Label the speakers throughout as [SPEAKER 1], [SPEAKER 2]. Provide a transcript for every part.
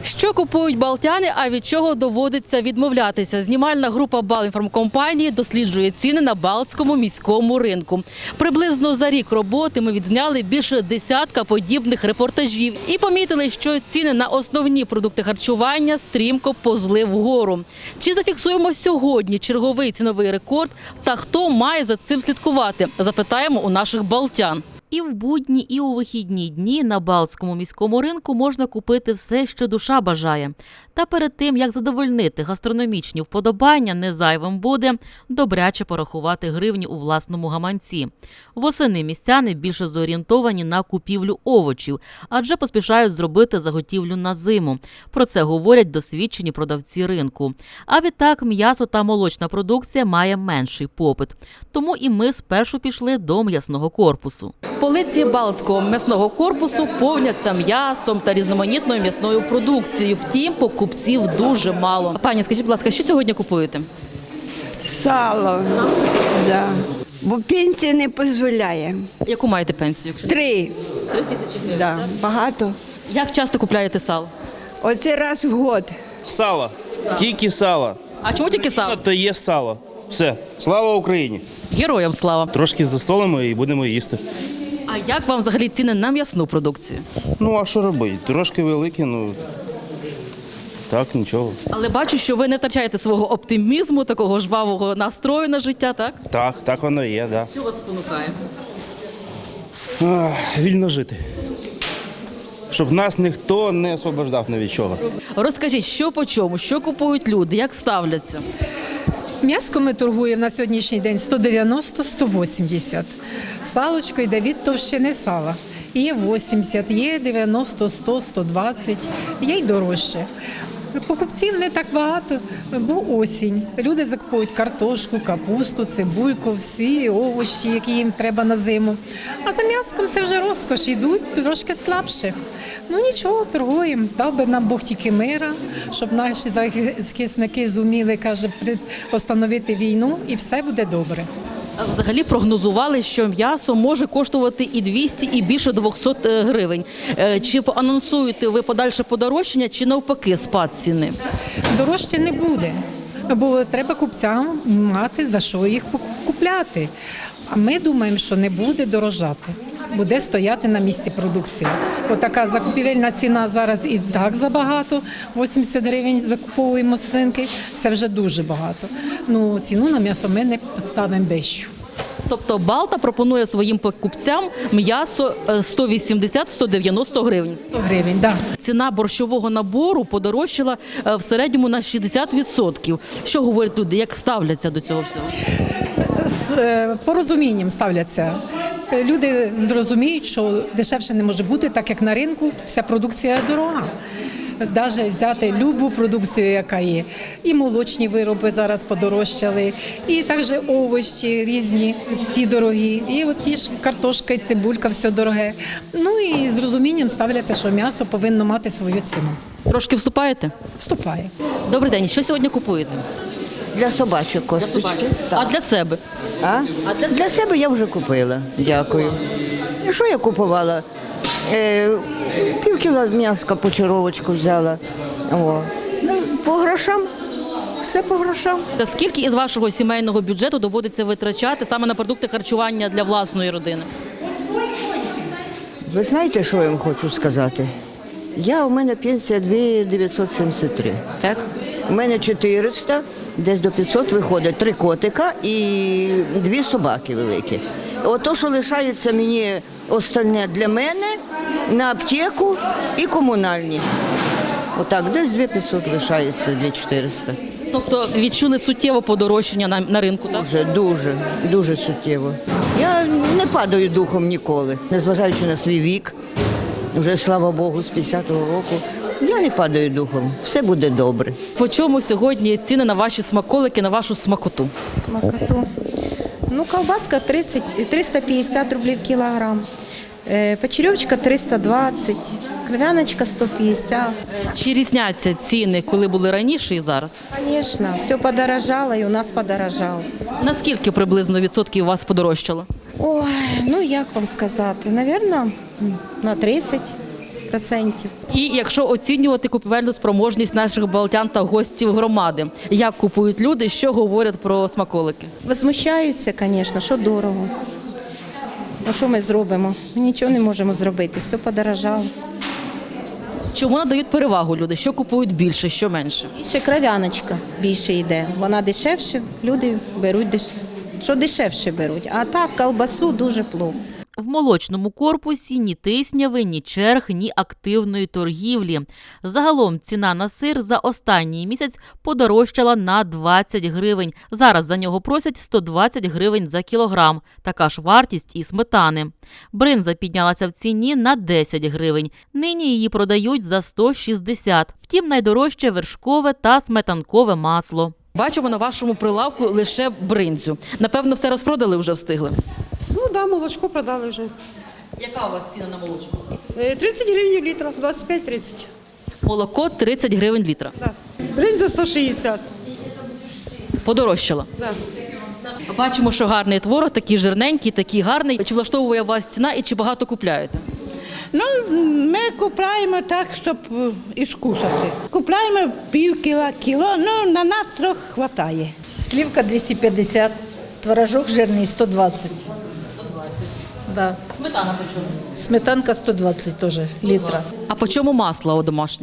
[SPEAKER 1] Що купують балтяни, а від чого доводиться відмовлятися? Знімальна група Балінформкомпанії досліджує ціни на Балтському міському ринку. Приблизно за рік роботи ми відзняли більше десятка подібних репортажів і помітили, що ціни на основні продукти харчування стрімко позли вгору. Чи зафіксуємо сьогодні черговий ціновий рекорд та хто має за цим слідкувати? Запитаємо у наших балтян. І в будні, і у вихідні дні на Балтському міському ринку можна купити все, що душа бажає. Та перед тим, як задовольнити гастрономічні вподобання, не зайвим буде добряче порахувати гривні у власному гаманці. Восени містяни більше зорієнтовані на купівлю овочів, адже поспішають зробити заготівлю на зиму. Про це говорять досвідчені продавці ринку. А відтак м'ясо та молочна продукція має менший попит. Тому і ми спершу пішли до м'ясного корпусу. Полиці Балтського м'ясного корпусу повняться м'ясом та різноманітною м'ясною продукцією. Втім, покупців дуже мало. Пані, скажіть, будь ласка, що сьогодні купуєте?
[SPEAKER 2] Сало. Да. Бо пенсія не дозволяє.
[SPEAKER 1] Яку маєте пенсію?
[SPEAKER 2] 3.
[SPEAKER 1] 3 тисячі гривень.
[SPEAKER 2] Да. Багато.
[SPEAKER 1] Як часто купляєте сало?
[SPEAKER 2] Оце раз в год.
[SPEAKER 3] Сало. Тільки сало.
[SPEAKER 1] А чому тільки сало?
[SPEAKER 3] То є сало. Все. Слава Україні.
[SPEAKER 1] Героям слава.
[SPEAKER 3] Трошки засолимо і будемо їсти.
[SPEAKER 1] А як вам взагалі ціни на м'ясну продукцію?
[SPEAKER 3] Ну, а що робити? Трошки великі, ну так, нічого.
[SPEAKER 1] Але бачу, що ви не втрачаєте свого оптимізму, такого жвавого настрою на життя, так?
[SPEAKER 3] Так воно і є, так.
[SPEAKER 1] Що вас спонукає?
[SPEAKER 3] Вільно жити. Щоб нас ніхто не освобождав ні від чого.
[SPEAKER 1] Розкажіть, що по чому, що купують люди, як ставляться?
[SPEAKER 4] М'яско ми торгуємо на сьогоднішній день 190-180. Салочко йде від товщини сала. Є 80, є 90, 100, 120, є й дорожче. Покупців не так багато, бо осінь. Люди закупують картошку, капусту, цибульку, всі овочі, які їм треба на зиму. А за м'яском це вже розкош, йдуть трошки слабше. Ну нічого, торгуємо. Дав би нам Бог тільки мира, щоб наші захисники зуміли, каже, постановити війну і все буде добре.
[SPEAKER 1] А взагалі прогнозували, що м'ясо може коштувати і 200, і більше 200 гривень. Чи анонсуєте ви подальше подорожчання, чи навпаки спад ціни?
[SPEAKER 4] Дорожче не буде, бо треба купцям мати за що їх купляти. А ми думаємо, що не буде дорожати, буде стояти на місці продукція. Отака закупівельна ціна зараз і так забагато, 80 гривень закуповуємо свинки, це вже дуже багато. Ну, ціну на м'ясо ми не поставимо вищу.
[SPEAKER 1] Тобто Балта пропонує своїм покупцям м'ясо 180-190 гривень.
[SPEAKER 4] 100 гривень, так.
[SPEAKER 1] Ціна борщового набору подорожчала в середньому на 60%. Що говорять люди, як ставляться до цього всього?
[SPEAKER 4] З порозумінням ставляться. Люди зрозуміють, що дешевше не може бути, так як на ринку вся продукція дорога. Навіть взяти любу продукцію, яка є. І молочні вироби зараз подорожчали, і також овочі різні, всі дорогі. І от ті ж картошка і цибулька, все дороге. Ну і з розумінням ставляться, що м'ясо повинно мати свою ціну.
[SPEAKER 1] Трошки вступаєте?
[SPEAKER 4] Вступає.
[SPEAKER 1] Добрий день. Що сьогодні купуєте?
[SPEAKER 5] Для собачок косточки.
[SPEAKER 1] А для себе?
[SPEAKER 5] Для себе я вже купила. Дякую. І що я купувала? Півкіла м'яска почаровочку взяла. О. Ну, по грошам. Все по грошам.
[SPEAKER 1] Та скільки із вашого сімейного бюджету доводиться витрачати саме на продукти харчування для власної родини?
[SPEAKER 5] Ви знаєте, що я вам хочу сказати? У мене пенсія 2973, так? У мене 400, десь до 500 виходить 3 котика і 2 собаки великі. Ото, що лишається мені остальне для мене, на аптеку і комунальні. Отак, десь 2500 лишається для 400.
[SPEAKER 1] Тобто відчули суттєве подорожчання на ринку, так?
[SPEAKER 5] Дуже суттєво. Я не падаю духом ніколи, незважаючи на свій вік. Вже, слава Богу, з 50-го року. Я не падаю духом, все буде добре.
[SPEAKER 1] По чому сьогодні ціни на ваші смаколики, на вашу смакоту?
[SPEAKER 6] Смакоту. Ну, колбаска 350 рублів кілограм, печерьовочка 320, кров'яночка 150.
[SPEAKER 1] Чи різняться ціни, коли були раніше і зараз?
[SPEAKER 6] Звісно, все подорожало і у нас подорожало.
[SPEAKER 1] Наскільки приблизно відсотків у вас подорожчало?
[SPEAKER 6] Ой, ну як вам сказати, напевно, на 30. 10%.
[SPEAKER 1] І якщо оцінювати купівельну спроможність наших балтян та гостів громади, як купують люди, що говорять про смаколики?
[SPEAKER 6] Возмущаються, звісно, що дорого. Ну що ми зробимо? Ми нічого не можемо зробити, все подорожало.
[SPEAKER 1] Чому надають перевагу люди? Що купують більше, що менше?
[SPEAKER 6] І ще кров'яночка більше йде. Вона дешевше, люди беруть, що дешевше беруть. А так, колбасу дуже плохо.
[SPEAKER 7] В молочному корпусі ні тисняви, ні черг, ні активної торгівлі. Загалом ціна на сир за останній місяць подорожчала на 20 гривень. Зараз за нього просять 120 гривень за кілограм. Така ж вартість і сметани. Бринза піднялася в ціні на 10 гривень. Нині її продають за 160. Втім, найдорожче вершкове та сметанкове масло.
[SPEAKER 1] Бачимо на вашому прилавку лише бринзю. Напевно, все розпродали, вже встигли.
[SPEAKER 8] Ну так, да, молочко продали вже.
[SPEAKER 1] Яка у вас ціна на молочко?
[SPEAKER 8] 30 гривень літра, 25-30.
[SPEAKER 1] Молоко 30 гривень літра.
[SPEAKER 8] Да. Бринза 160.
[SPEAKER 1] Подорожчало.
[SPEAKER 8] Да.
[SPEAKER 1] Бачимо, що гарний творог, такий жирненький, такий гарний. Чи влаштовує вас ціна і чи багато купляєте?
[SPEAKER 9] Ну, ми купляємо так, щоб і скушати. Купляємо пів кіло, ну, на нас трохи вистачає.
[SPEAKER 10] Слівка 250, творожок жирний 120. Да.
[SPEAKER 1] Сметана по чому?
[SPEAKER 10] Сметанка 120 теж літра.
[SPEAKER 1] А по чому масло домашнє?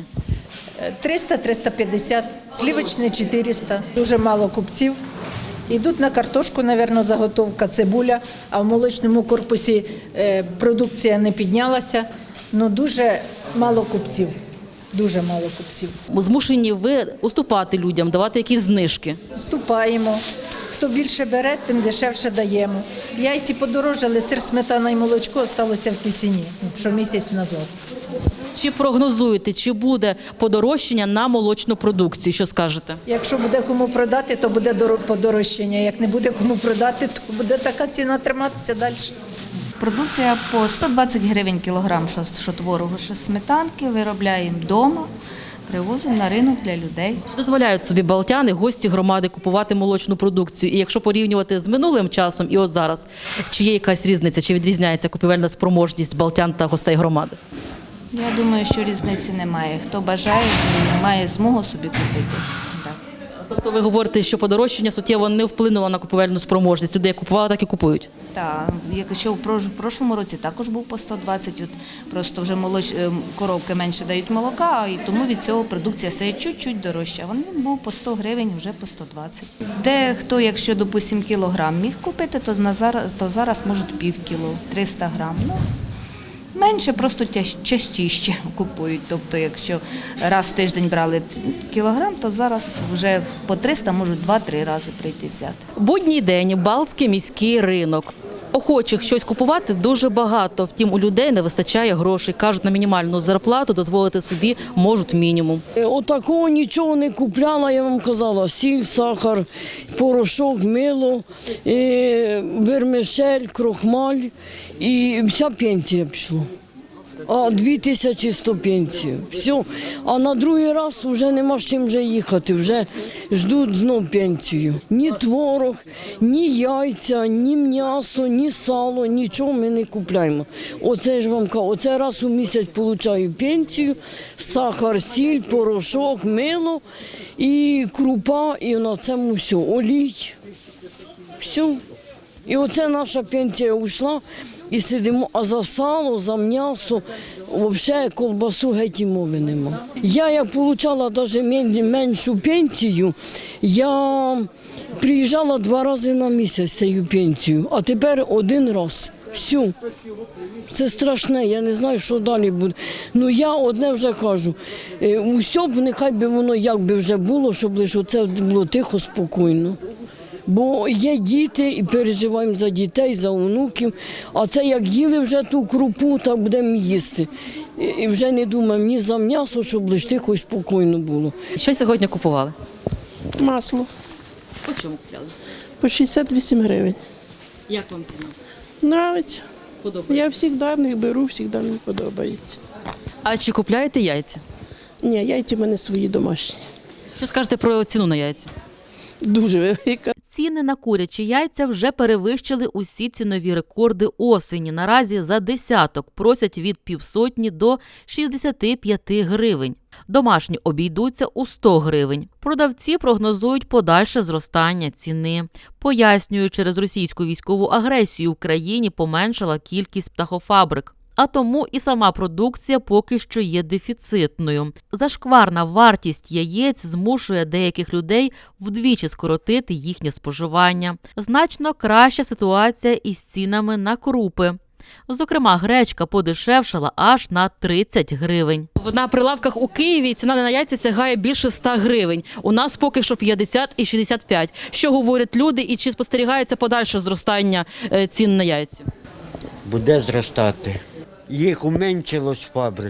[SPEAKER 10] 300-350, слівочне 400. Дуже мало купців. Йдуть на картошку, мабуть, заготовка, цибуля, а в молочному корпусі продукція не піднялася. Ну, дуже мало купців. Дуже мало купців.
[SPEAKER 1] Змушені ви уступати людям, давати якісь знижки.
[SPEAKER 10] Вступаємо. Хто більше бере, тим дешевше даємо. Яйці подорожали, сир, сметана і молочко залишилося в тій ціні, що місяць назад.
[SPEAKER 1] Чи прогнозуєте, чи буде подорожчання на молочну продукцію? Що скажете?
[SPEAKER 10] Якщо буде кому продати, то буде подорожчання. Як не буде кому продати, то буде така ціна триматися далі.
[SPEAKER 11] Продукція по 120 гривень кілограм, що творогу, що сметанки, виробляємо вдома, привозимо на ринок для людей.
[SPEAKER 1] Дозволяють собі балтяни, гості громади купувати молочну продукцію. І якщо порівнювати з минулим часом і от зараз, чи є якась різниця, чи відрізняється купівельна спроможність балтян та гостей громади?
[SPEAKER 11] Я думаю, що різниці немає. Хто бажає, має змогу собі купити. Так.
[SPEAKER 1] Тобто ви говорите, що подорожчання суттєво не вплинуло на купівельну спроможність. Люди як купували, так і купують.
[SPEAKER 11] Так, якщо в прошлому році також був по 120, от просто вже коровки менше дають молока, і тому від цього продукція стає чуть-чуть дорожча. Він був по 100 гривень, вже по 120. Дехто, якщо, допустимо, кілограм міг купити, то зараз можуть пів кіло, 300 грам. Ну, менше, просто частіше купують. Тобто, якщо раз в тиждень брали кілограм, то зараз вже по 300 можуть 2-3 рази прийти взяти.
[SPEAKER 1] Будній день, Балтський міський ринок. Охочих щось купувати дуже багато, втім у людей не вистачає грошей. Кажуть, на мінімальну зарплату дозволити собі можуть мінімум.
[SPEAKER 12] Отакого нічого не купляла, я вам казала, сіль, сахар, порошок, мило, вермишель, крохмаль і вся пенсія пішла. А 2100 пенсію. Все. А на другий раз вже нема з чим вже їхати, вже ждуть знов пенсію. Ні творог, ні яйця, ні м'ясо, ні сало, нічого ми не купляємо. Оце ж вам кажу, оце раз у місяць отримую пенсію, сахар, сіль, порошок, мило і крупа, і на цьому все, олій. Все. І оце наша пенсія ушла. І сидимо, а за сало, за м'ясо, взагалі колбасу геть і мови нема. Я як отримала навіть меншу пенсію, я приїжджала 2 рази на місяць цією пенсією, а тепер 1 раз. Все. Це страшне, я не знаю, що далі буде. Ну я одне вже кажу, усе б нехай би воно як би вже було, щоб лише це було тихо, спокійно. Бо є діти і переживаємо за дітей, за онуків. А це як їли вже ту крупу, так будемо їсти. І вже не думаємо ні за м'ясо, щоб лише тихо і спокійно було.
[SPEAKER 1] Що сьогодні купували?
[SPEAKER 8] Масло.
[SPEAKER 1] По чому купляли?
[SPEAKER 8] По 68 гривень.
[SPEAKER 1] Як вам ціна?
[SPEAKER 8] Нравиться.
[SPEAKER 1] Подобається?
[SPEAKER 8] Я завжди в них беру, завжди мені подобається.
[SPEAKER 1] А чи купляєте яйця?
[SPEAKER 8] Ні, яйця в мене свої домашні.
[SPEAKER 1] Що скажете про ціну на яйця?
[SPEAKER 8] Дуже велика.
[SPEAKER 7] Ціни на курячі яйця вже перевищили усі цінові рекорди осені. Наразі за десяток просять від 50 до 65 гривень. Домашні обійдуться у 100 гривень. Продавці прогнозують подальше зростання ціни. Пояснюють, через російську військову агресію в країні поменшала кількість птахофабрик. А тому і сама продукція поки що є дефіцитною. Зашкварна вартість яєць змушує деяких людей вдвічі скоротити їхнє споживання. Значно краща ситуація із цінами на крупи. Зокрема, гречка подешевшала аж на 30 гривень.
[SPEAKER 1] На прилавках у Києві ціна на яйця сягає більше 100 гривень. У нас поки що 50 і 65. Що говорять люди і чи спостерігається подальше зростання цін на яйця?
[SPEAKER 13] Буде зростати. Їх уменшилось з фабрик.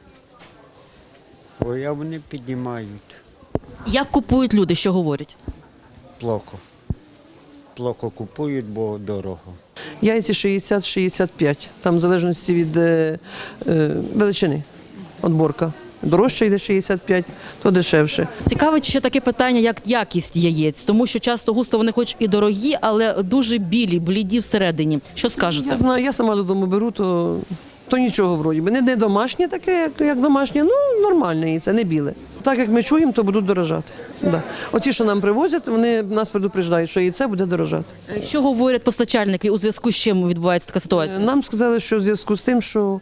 [SPEAKER 13] Ой, а вони піднімають.
[SPEAKER 1] Як купують люди, що говорять?
[SPEAKER 13] Плохо. Плохо купують, бо дорого.
[SPEAKER 8] Яйці 60-65, там в залежності від величини, отборка. Дорожче йде 65, то дешевше.
[SPEAKER 1] Цікавить ще таке питання, як якість яєць, тому що часто густо вони хоч і дорогі, але дуже білі, бліді всередині. Що скажете?
[SPEAKER 8] Я знаю, я сама додому беру, то нічого вроді би. Не домашнє таке, як домашнє, ну нормальне яйце, не біле. Так як ми чуємо, то будуть дорожати. Да. Оці, що нам привозять, вони нас предупреждають, що яйце буде дорожати.
[SPEAKER 1] Що говорять постачальники у зв'язку з чим відбувається така ситуація?
[SPEAKER 8] Нам сказали, що в зв'язку з тим, що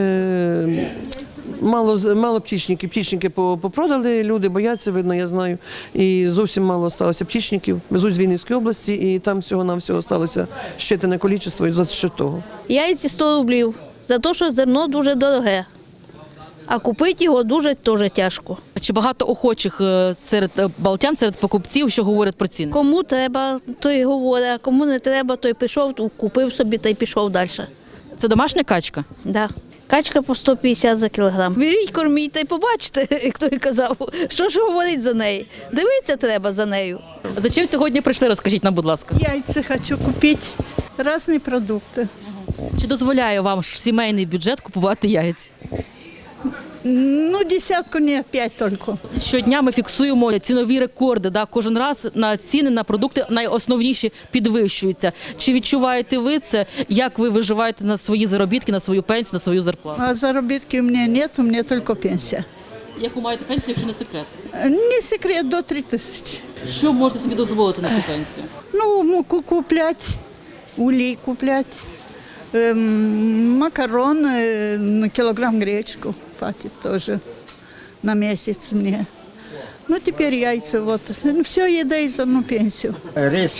[SPEAKER 8] мало птічників. Птічники попродали, люди бояться, видно, я знаю. І зовсім мало залишилося птічників. Везуть з Вінницької області, і там всього-навсього залишилося щитане кількість і за що того.
[SPEAKER 14] Яйці 100 рублів, за те, що зерно дуже дороге. А купити його дуже теж тяжко.
[SPEAKER 1] Чи багато охочих серед балтян, серед покупців, що говорять про ціни?
[SPEAKER 14] Кому треба, той говорить, а кому не треба, той пішов, купив собі та й пішов далі.
[SPEAKER 1] Це домашня качка?
[SPEAKER 14] Так. Да. Качка по 150 за кілограм. Беріть, корміть та й побачите, як той казав, що ж говорить за неї. Дивитися треба за нею.
[SPEAKER 1] За чим сьогодні прийшли, розкажіть нам, будь ласка.
[SPEAKER 9] Яйця хочу купити, різні продукти.
[SPEAKER 1] Чи дозволяє вам сімейний бюджет купувати яйця?
[SPEAKER 9] Ну, десятку не, 5 тільки.
[SPEAKER 1] Щодня ми фіксуємо цінові рекорди. Да? Кожен раз на ціни на продукти найосновніші підвищуються. Чи відчуваєте ви це? Як ви виживаєте на свої заробітки, на свою пенсію, на свою зарплату?
[SPEAKER 9] А заробітки у мене немає, у мене тільки пенсія.
[SPEAKER 1] Яку маєте пенсію, якщо не секрет?
[SPEAKER 9] Не секрет, до 3 тисячі.
[SPEAKER 1] Що можете собі дозволити на цю пенсію?
[SPEAKER 9] Ну, муку купляти, улей купляти, макарон, кілограм гречку. Хватит тоже на месяц мне. Ну, теперь яйца, вот. Все еда за одну пенсию.
[SPEAKER 13] Рис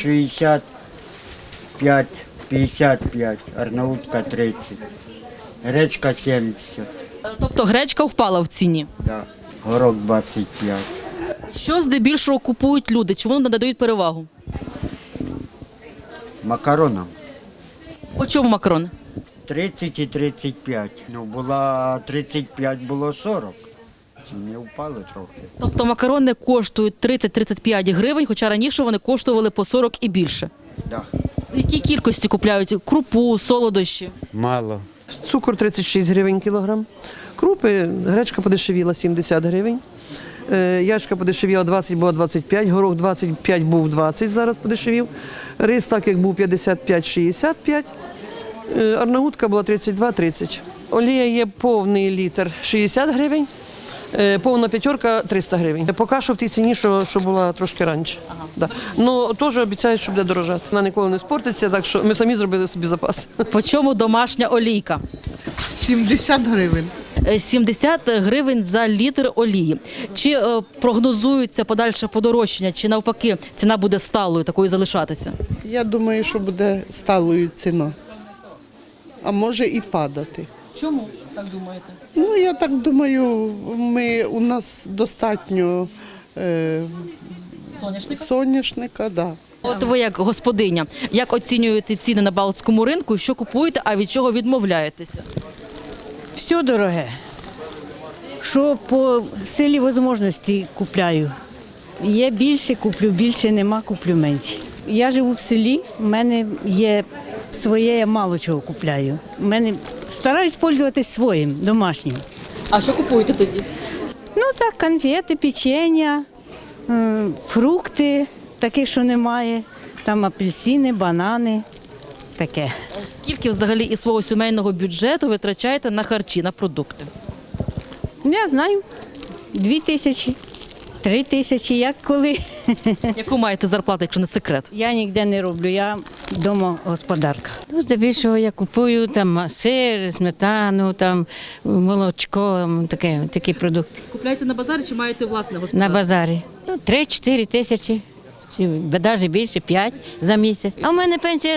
[SPEAKER 13] 65, 55, арнаутка 30, гречка 70.
[SPEAKER 1] Тобто гречка впала в ціні?
[SPEAKER 13] Да. Горох 25.
[SPEAKER 1] Що здебільшого купують люди? Чому надають перевагу?
[SPEAKER 13] Макароном.
[SPEAKER 1] По чому макарони?
[SPEAKER 13] 30 і 35. Ну, була 35, було 40. Ціни впали трохи.
[SPEAKER 1] Тобто макарони коштують 30-35 гривень, хоча раніше вони коштували по 40 і більше.
[SPEAKER 13] Да.
[SPEAKER 1] В якій кількості купляють? Крупу, солодощі?
[SPEAKER 13] Мало.
[SPEAKER 8] Цукор 36 гривень кілограм. Крупи, гречка подешевіла 70 гривень. Ячка подешевіла 20, була 25, горох 25, був 20, зараз подешевів. Рис так, як був 55-65. Арнаутка була 32-30. Олія є повний літр 60 гривень, повна п'ятерка 300 гривень. Поки що в тій ціні, що була трошки раніше. Ага. Да. Ну, теж обіцяють, що буде дорожати. Вона ніколи не спортиться, так що ми самі зробили собі запас.
[SPEAKER 1] По чому домашня олійка?
[SPEAKER 9] 70 гривень.
[SPEAKER 1] 70 гривень за літр олії. Чи прогнозується подальше подорожчання, чи навпаки ціна буде сталою, такою залишатися?
[SPEAKER 9] Я думаю, що буде сталою ціна. А може і падати.
[SPEAKER 1] Чому так думаєте?
[SPEAKER 9] Ну, я так думаю, у нас достатньо соняшника, да.
[SPEAKER 1] От ви як господиня, як оцінюєте ціни на Балтському ринку, що купуєте, а від чого відмовляєтеся?
[SPEAKER 15] Все дороге. Що по силі можливості купляю. Є більше, куплю більше, нема, куплю менше. Я живу в селі, в мене є своє, я мало чого купляю. Стараюсь пользуватись своїм, домашнім.
[SPEAKER 1] А що купуєте тоді?
[SPEAKER 15] Ну так, конфети, печення, фрукти, таких, що немає. там апельсини, банани, таке.
[SPEAKER 1] Скільки взагалі із свого сімейного бюджету ви витрачаєте на харчі, на продукти?
[SPEAKER 15] Не знаю, 2 тисячі, 3 тисячі, як коли.
[SPEAKER 1] Яку маєте зарплату, якщо не секрет?
[SPEAKER 15] Я ніде не роблю, я домогосподарка.
[SPEAKER 16] Ну, здебільшого я купую там сир, сметану, там молочко, такі продукти.
[SPEAKER 1] Купляєте на базарі чи маєте власне господарство?
[SPEAKER 16] На базарі. 3-4 тисячі, чи навіть більше, 5 за місяць. А в мене пенсія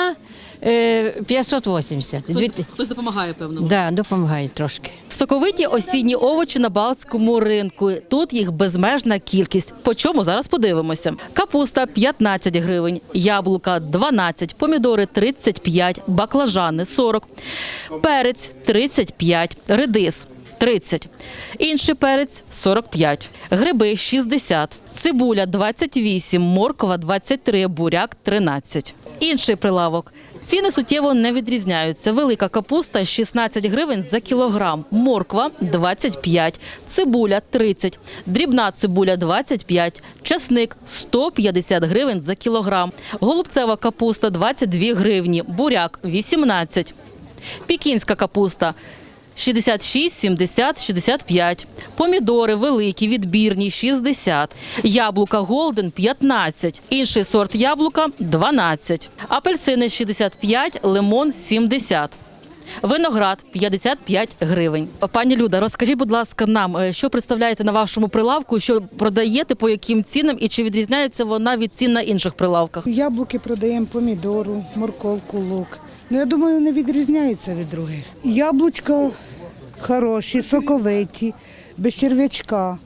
[SPEAKER 16] 580.
[SPEAKER 1] Хтось допомагає, певно?
[SPEAKER 16] Так, да, допомагає трошки.
[SPEAKER 1] Соковиті осінні овочі на Балтському ринку. Тут їх безмежна кількість. По чому зараз подивимося. Капуста 15 гривень, яблука 12, помідори 35, баклажани 40, перець 35, редис 30, інший перець 45, гриби 60, цибуля 28, морква 23, буряк 13. Інший прилавок. Ціни суттєво не відрізняються. Велика капуста – 16 гривень за кілограм, морква – 25, цибуля – 30, дрібна цибуля – 25, часник – 150 гривень за кілограм, голубцева капуста – 22 гривні, буряк – 18, пекінська капуста – 66, 70, 65. Помідори великі, відбірні – 60. Яблука Голден – 15. Інший сорт яблука – 12. Апельсини – 65, лимон – 70. Виноград – 55 гривень. Пані Люда, розкажіть, будь ласка, нам, що представляєте на вашому прилавку, що продаєте, по яким цінам і чи відрізняється вона від цін на інших прилавках?
[SPEAKER 17] Яблуки продаємо, помідору, морковку, лук. Ну, я думаю, не відрізняються від других. Яблучка хороші, соковиті, без черв'ячка,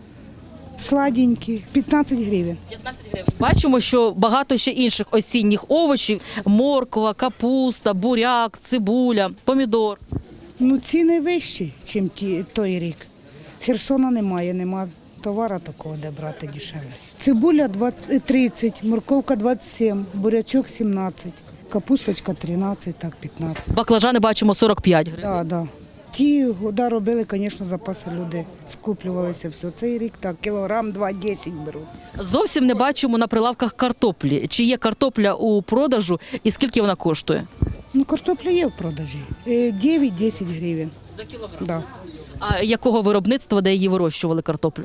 [SPEAKER 17] сладенькі, 15 гривень.
[SPEAKER 1] 15 гривень. Бачимо, що багато ще інших осінніх овочів – морква, капуста, буряк, цибуля, помідор.
[SPEAKER 17] Ну, ціни вищі, ніж той рік. Херсона нема товару такого, де брати дешевле. Цибуля 30, морковка 27, бурячок 17. Капусточка 13, так 15.
[SPEAKER 1] Баклажани бачимо 45 гривень.
[SPEAKER 17] Так, так. Ті года робили, звісно, запаси люди, скуплювалися все. Цей рік так, кілограм 2-10 беруть.
[SPEAKER 1] Зовсім не бачимо на прилавках картоплі. Чи є картопля у продажу і скільки вона коштує?
[SPEAKER 17] Ну, картопля є в продажі. 9-10 гривень.
[SPEAKER 1] За кілограм?
[SPEAKER 17] Да.
[SPEAKER 1] А якого виробництва, де її вирощували картоплю?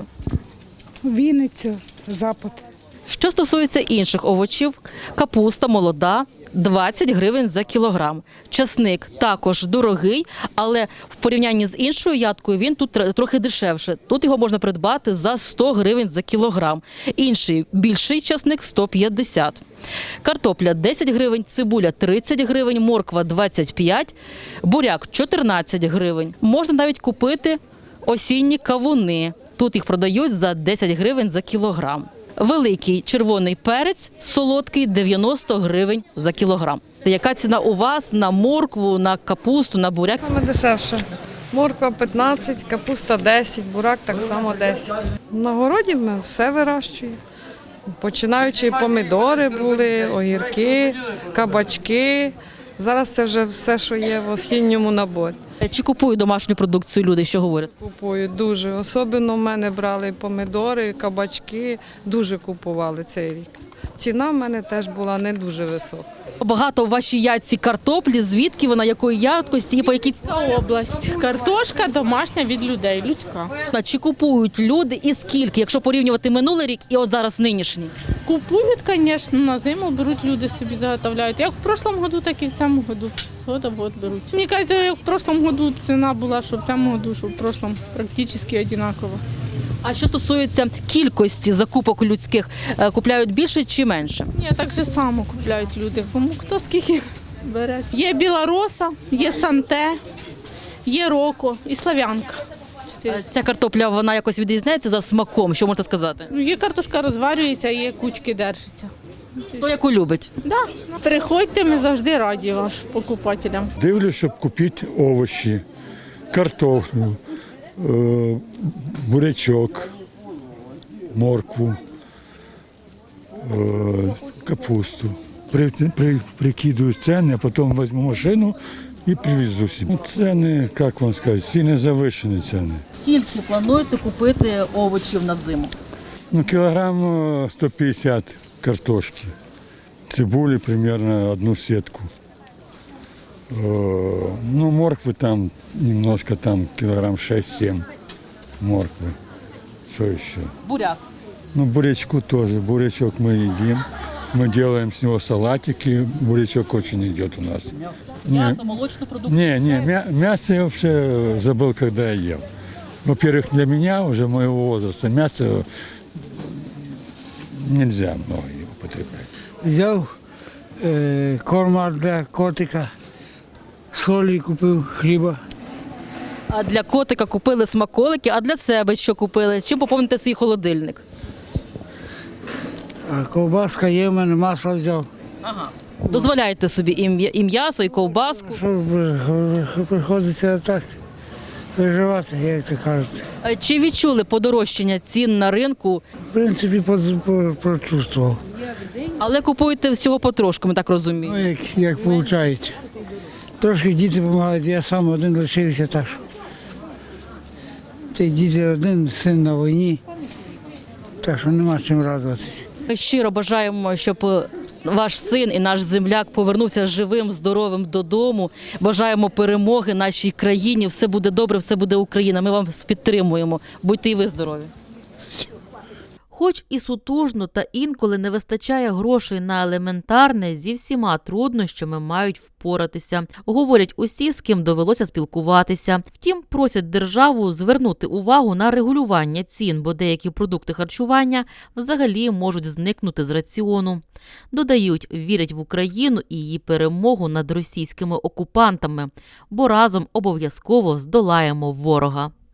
[SPEAKER 17] Вінниця, Запад.
[SPEAKER 1] Що стосується інших овочів, капуста молода – 20 гривень за кілограм. Часник також дорогий, але в порівнянні з іншою ядкою він тут трохи дешевше. Тут його можна придбати за 100 гривень за кілограм. Інший більший часник – 150. Картопля – 10 гривень, цибуля – 30 гривень, морква – 25, буряк – 14 гривень. Можна навіть купити осінні кавуни. Тут їх продають за 10 гривень за кілограм. Великий червоний перець, солодкий – 90 гривень за кілограм. Яка ціна у вас на моркву, на капусту, на буряк?
[SPEAKER 18] Саме дешевше. Морква 15, капуста 10, бурак так само 10. На городі ми все вирощуємо. Починаючи помідори були, огірки, кабачки. Зараз це вже все, що є в осінньому наборі.
[SPEAKER 1] Чи купують домашню продукцію люди, що говорять?
[SPEAKER 18] Купують дуже. Особливо в мене брали помідори, кабачки, дуже купували цей рік. Ціна в мене теж була не дуже висока.
[SPEAKER 1] Багато в вашій ядці картоплі, звідки вона, якої якості і по якій ціні?
[SPEAKER 19] Область. Картошка домашня від людей, людська.
[SPEAKER 1] Чи купують люди і скільки, якщо порівнювати минулий рік і от зараз нинішній?
[SPEAKER 19] Купують, звісно, на зиму беруть, люди собі заготовляють. Як в прошлому году, так і в цьому году. Згода в год беруть. Мені кажеться, як в прошлому году ціна була, що в цьому году, що в прошлому практично однаково.
[SPEAKER 1] А що стосується кількості закупок людських, купляють більше чи менше?
[SPEAKER 19] Ні, так же само купляють люди. Кому хто скільки бере. Є білороса, є санте, є роко і слав'янка.
[SPEAKER 1] Ця картопля, вона якось відрізняється за смаком, що можете сказати?
[SPEAKER 19] Ну, є картошка розварюється, є кучки держаться.
[SPEAKER 1] Хто яку любить?
[SPEAKER 19] Да. Приходьте, ми завжди раді вашим покупателям.
[SPEAKER 20] Дивлюсь, щоб купити овочі, картоплю, бурячок, моркву, капусту. Прикидую ціни, а потім візьму машину і привезу собі. Ціни, як вам сказати, ціни завищені ціни.
[SPEAKER 1] Скільки плануєте купити овочів на зиму?
[SPEAKER 20] Кілограм 150 картошки, цибули примерно 1 сетку. Ну, морквы там немножко, там килограмм 6-7 морквы. Что еще?
[SPEAKER 1] Буряк.
[SPEAKER 20] Ну, бурячку тоже. Бурячок мы едим. Мы делаем с него салатики. Бурячок очень идет у нас.
[SPEAKER 1] Мясо, молочную продукцию.
[SPEAKER 20] Мясо я вообще забыл, когда я ел. Во-первых, для меня, уже моего возраста, мясо нельзя много употреблять.
[SPEAKER 21] Взяв корма для котика, солі купив, хліба.
[SPEAKER 1] А для котика купили смаколики, а для себе що купили? Чим поповните свій холодильник?
[SPEAKER 21] А ковбаска є, в мене масло взяв.
[SPEAKER 1] Ага. Дозволяєте собі і м'ясо, і ковбаску?
[SPEAKER 21] Приходиться так виживати, як то кажуть.
[SPEAKER 1] Чи відчули подорожчання цін на ринку?
[SPEAKER 21] В принципі, прочувствував.
[SPEAKER 1] Але купуєте всього потрошку, ми так розуміємо.
[SPEAKER 21] Ну, як виходить. Трошки діти допомагають, я сам один лишився, так що. Цей діти один, син на війні, так що нема чим радуватися.
[SPEAKER 1] Ми щиро бажаємо, щоб ваш син і наш земляк повернувся живим, здоровим додому. Бажаємо перемоги нашій країні. Все буде добре, все буде Україна. Ми вас підтримуємо. Будьте і ви здорові.
[SPEAKER 7] Хоч і сутужно та інколи не вистачає грошей на елементарне, зі всіма труднощами мають впоратися. Говорять усі, з ким довелося спілкуватися. Втім, просять державу звернути увагу на регулювання цін, бо деякі продукти харчування взагалі можуть зникнути з раціону. Додають, вірять в Україну і її перемогу над російськими окупантами, бо разом обов'язково здолаємо ворога.